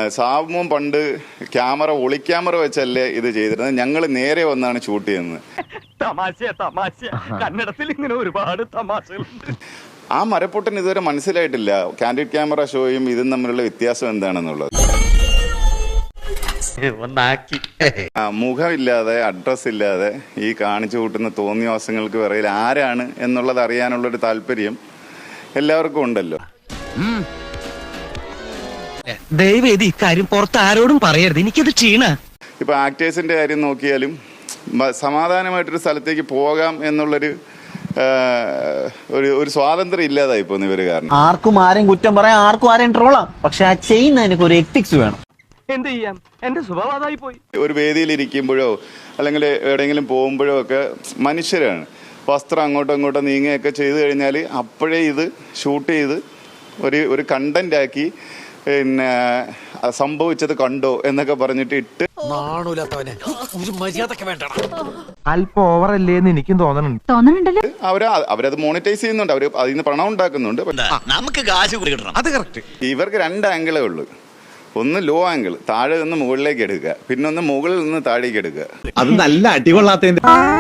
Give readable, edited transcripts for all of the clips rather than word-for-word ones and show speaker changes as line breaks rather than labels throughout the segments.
സാബുമോൻ പണ്ട് ക്യാമറ ഒളിക്യാമറ വെച്ചല്ലേ ഇത് ചെയ്തിരുന്നത്. ഞങ്ങൾ നേരെ വന്നാണ് ഷൂട്ട് ചെയ്യുന്നത്.
കന്നഡത്തിൽ ഇങ്ങനെ ഒരുപാട് തമാശകളുണ്ട്.
ആ മരപ്പൊട്ടൻ ഇതുവരെ മനസ്സിലായിട്ടില്ല കാൻഡിഡ് ക്യാമറ ഷോയും ഇതും തമ്മിലുള്ള വ്യത്യാസം എന്താണെന്നുള്ളത്. മുഖമില്ലാതെ അഡ്രസ് ഇല്ലാതെ ഈ കാണിച്ചു കൂട്ടുന്ന തോന്നിവാസങ്ങൾക്ക് പിറകിൽ ആരാണ് എന്നുള്ളത് അറിയാനുള്ളൊരു താല്പര്യം എല്ലാവർക്കും ഉണ്ടല്ലോ.
ദയവേദി ഇക്കാര്യം പുറത്ത് ആരോടും പറയരുത്, എനിക്കത് ക്ഷീണ.
ഇപ്പൊ ആക്ടേഴ്സിന്റെ കാര്യം നോക്കിയാലും സമാധാനമായിട്ടൊരു സ്ഥലത്തേക്ക് പോകാം എന്നുള്ളൊരു ഒരു സ്വാതന്ത്ര്യം ഇല്ലാതായി പോകുന്ന ഇവര് കാരണം.
ആർക്കും ആരെയും കുറ്റം പറയാം, ആർക്കും ആരെയും ട്രോളാം, പക്ഷെ ആ ചെയ്യുന്നതിനൊക്കെ ഒരു എത്തിക്സ് വേണം.
എന്ത് ചെയ്യാം, എന്റെ സ്വഭാവമായി പോയി.
ഒരു വേദിയിൽ ഇരിക്കുമ്പോഴോ അല്ലെങ്കിൽ എവിടെയെങ്കിലും പോകുമ്പോഴോ ഒക്കെ മനുഷ്യരാണ്. വസ്ത്രം അങ്ങോട്ടും ഇങ്ങോട്ടും നീങ്ങുകയൊക്കെ ചെയ്തു കഴിഞ്ഞാൽ അപ്പോഴേ ഇത് ഷൂട്ട് ചെയ്ത് ഒരു കണ്ടന്റ് ആക്കി പിന്നെ സംഭവിച്ചത് കണ്ടോ എന്നൊക്കെ പറഞ്ഞിട്ട് ഇട്ട്
അല്പം ഓവറല്ലേ എന്ന് എനിക്കും തോന്നുന്നുണ്ട്.
അവരത് മോണിറ്റൈസ് ചെയ്യുന്നുണ്ട്, അവർ അതിൽ നിന്ന് പണം ഉണ്ടാക്കുന്നുണ്ട്.
നമുക്ക് കാശ് കിട്ടണം, അത് കറക്റ്റ്.
ഇവർക്ക് 2 ആംഗിളേ ഉള്ളൂ. ഒന്ന് ലോ ആംഗിൾ, താഴെ നിന്ന് മുകളിലേക്ക് എടുക്കുക, പിന്നെ ഒന്ന് മുകളിൽ നിന്ന് താഴേക്ക് എടുക്കുക.
അത് നല്ല അടികൊള്ളാത്ത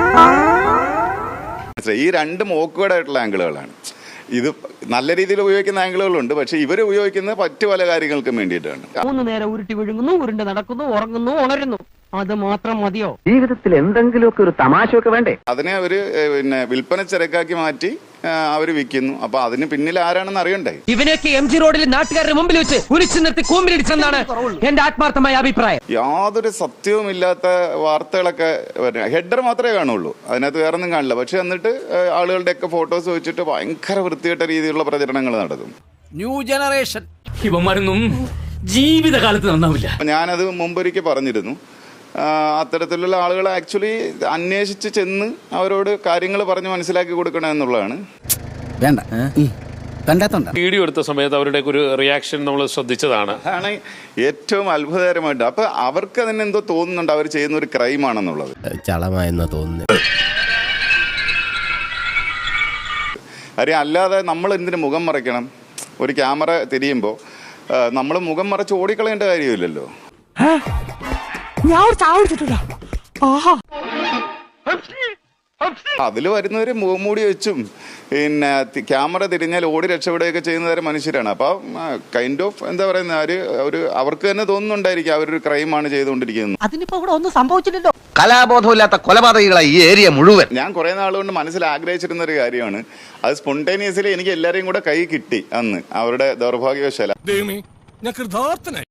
ഈ 2 ഓക്വേർഡ് ആയിട്ടുള്ള ആംഗിളുകളാണ്. ഇത് നല്ല രീതിയിൽ ഉപയോഗിക്കുന്ന ആംഗിളുകളുണ്ട്, പക്ഷെ ഇവർ ഉപയോഗിക്കുന്നത് മറ്റു പല കാര്യങ്ങൾക്കും വേണ്ടിയിട്ടാണ്.
3 നേരം ഉരുട്ടി വിഴുങ്ങുന്നു, ഉരുണ്ട് നടക്കുന്നു, ഉറങ്ങുന്നു, ഉണരുന്നു, അത് മാത്രം മതിയോ?
ജീവിതത്തിൽ എന്തെങ്കിലുമൊക്കെ ഒരു തമാശയൊക്കെ വേണ്ടേ?
അതിനെ അവര് പിന്നെ വിൽപ്പന ചരക്കാക്കി മാറ്റി അവര് വിൽക്കുന്നു. അപ്പൊ അതിന് പിന്നിൽ ആരാണെന്ന് അറിയണ്ടേ?
ഇവനൊക്കെ MG റോഡിൽ നാട്ടുകാരുടെ മുമ്പിൽ വെച്ച് കുരിച്ചു നിർത്തി കൂമ്പിലിടിച്ചെന്നാണ് എന്റെ ആത്മാർത്ഥമായ അഭിപ്രായം.
യാതൊരു സത്യവുമില്ലാത്ത വാർത്തകളൊക്കെ ഹെഡർ മാത്രമേ കാണുള്ളൂ, അതിനകത്ത് വേറെ ഒന്നും കാണില്ല. പക്ഷെ എന്നിട്ട് ആളുകളുടെയൊക്കെ ഫോട്ടോസ് വെച്ചിട്ട് ഭയങ്കര വൃത്തികെട്ട രീതിയിലുള്ള പ്രചരണങ്ങൾ നടത്തും.
ന്യൂ ജനറേഷൻ ഇവന്മാരൊന്നും ജീവിതകാലത്ത് നന്നാവില്ല.
ഞാനത് മുമ്പൊരിക്കൽ പറഞ്ഞിരുന്നു. അത്തരത്തിലുള്ള ആളുകളെ ആക്ച്വലി അന്വേഷിച്ച് ചെന്ന് അവരോട് കാര്യങ്ങൾ പറഞ്ഞ് മനസ്സിലാക്കി കൊടുക്കണം എന്നുള്ളതാണ്.
വേണ്ട കണ്ടെത്തണ്ട.
വീഡിയോ എടുത്ത സമയത്ത് അവരുടെ ഒരു റിയാക്ഷൻ നമ്മൾ ശ്രദ്ധിച്ചതാണ്.
അതാണ് ഏറ്റവും അത്ഭുതകരമായിട്ട്. അപ്പൊ അവർക്ക് തന്നെ എന്തോ തോന്നുന്നുണ്ട് അവർ ചെയ്യുന്ന ഒരു ക്രൈമാണെന്നുള്ളത്.
ചളമായെന്ന് തോന്നുന്നു.
കാര്യം അല്ലാതെ നമ്മൾ എന്തിനു മുഖം മറയ്ക്കണം? ഒരു ക്യാമറ തിരിയുമ്പോൾ നമ്മൾ മുഖം മറച്ച് ഓടിക്കളയേണ്ട കാര്യമില്ലല്ലോ. അതിൽ വരുന്നവര് മുഖംമൂടി വെച്ചും പിന്നെ ക്യാമറ തിരിഞ്ഞാൽ ഓടി രക്ഷപ്പെടുകയൊക്കെ ചെയ്യുന്നവരെ മനുഷ്യരാണ്. അപ്പൊ കൈൻഡ് ഓഫ് എന്താ പറയുന്ന അവർക്ക് തന്നെ തോന്നുന്നുണ്ടായിരിക്കും അവരൊരു ക്രൈമാണ് ചെയ്തുകൊണ്ടിരിക്കുന്നത്.
അതിനിപ്പോ ഇവിടെ ഒന്നും സംഭവിച്ചില്ലല്ലോ.
കലാബോധമില്ലാത്ത കൊലപാതകികളായി ഈ ഏരിയ മുഴുവൻ.
ഞാൻ കുറെ നാളുകൊണ്ട് മനസ്സിൽ ആഗ്രഹിച്ചിരുന്ന ഒരു കാര്യമാണ്. അത് സ്പോണ്ടേനിയസ്ലി എനിക്ക് എല്ലാവരെയും കൂടെ കൈ കിട്ടി അന്ന് അവരുടെ ദൗർഭാഗ്യവശാല.